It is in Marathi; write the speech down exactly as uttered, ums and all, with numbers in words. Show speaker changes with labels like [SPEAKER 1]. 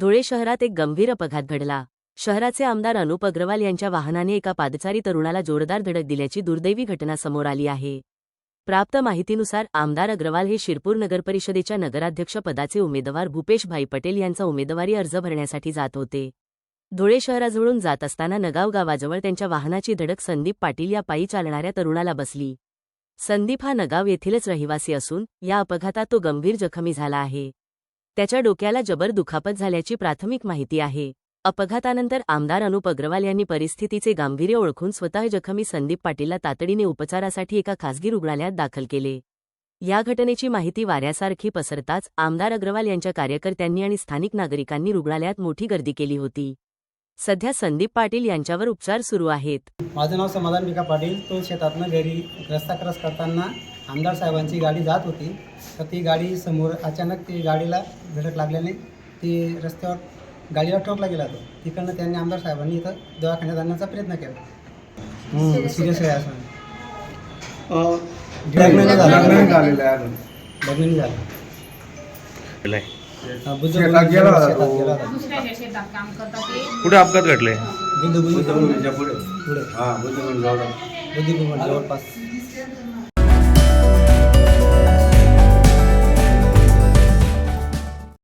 [SPEAKER 1] धुळे शहरात एक गंभीर अपघात घडला। शहराचे आमदार अनुप अग्रवाल यांच्या वाहनाने एका पादचारी तरुणाला जोरदार धडक दिल्याची दुर्दैवी घटना समोर आली आहे। प्राप्त माहितीनुसार आमदार अग्रवाल हे शिरपूर नगरपरिषदेच्या नगराध्यक्ष पदाचे उमेदवार भूपेशभाई पटेल यांचा उमेदवारी अर्ज भरण्यासाठी जात होते। धुळे शहराजवळून जात असताना नगाव गावाजवळ त्यांच्या वाहनाची धडक संदीप पाटील या पायी चालणाऱ्या तरुणाला बसली। संदीप हा नगाव येथीलच रहिवासी असून या अपघातात तो गंभीर जखमी झाला आहे। त्याच्या डोक्याला जबर दुखापत झाल्याची प्राथमिक माहिती आहे। अपघातानंतर आमदार अनुप अग्रवाल यांनी परिस्थितीचे गांभीर्य ओळखून स्वतः जखमी संदीप पाटीलला तातडीने उपचारासाठी एका खासगी रुग्णालयात दाखल केले। या घटनेची माहिती वाऱ्यासारखी पसरताच आमदार अग्रवाल यांच्या कार्यकर्त्यांनी आणि स्थानिक नागरिकांनी रुग्णालयात मोठी गर्दी केली होती। सध्या संदीप पाटील यांच्यावर उपचार सुरू आहेत।
[SPEAKER 2] माझं नाव समाधान भिका पाटील। तो शेतातनं घरी रस्ता क्रॉस करताना आमदार साहेबांची गाडी जात होती, तर ती गाडी समोर अचानक ती गाडीला धडक लागल्याने ती रस्त्यावर गाडीला ठोकला गेला। तो तिकडनं त्यांनी आमदार साहेबांनी इथं दवाखान्यात आणण्याचा प्रयत्न केला। सिरियस आहे असं लग्न नाही झालं लग्न झालं
[SPEAKER 3] कुठे अपघात घडले?
[SPEAKER 2] बुद्धिभूमी जवळपास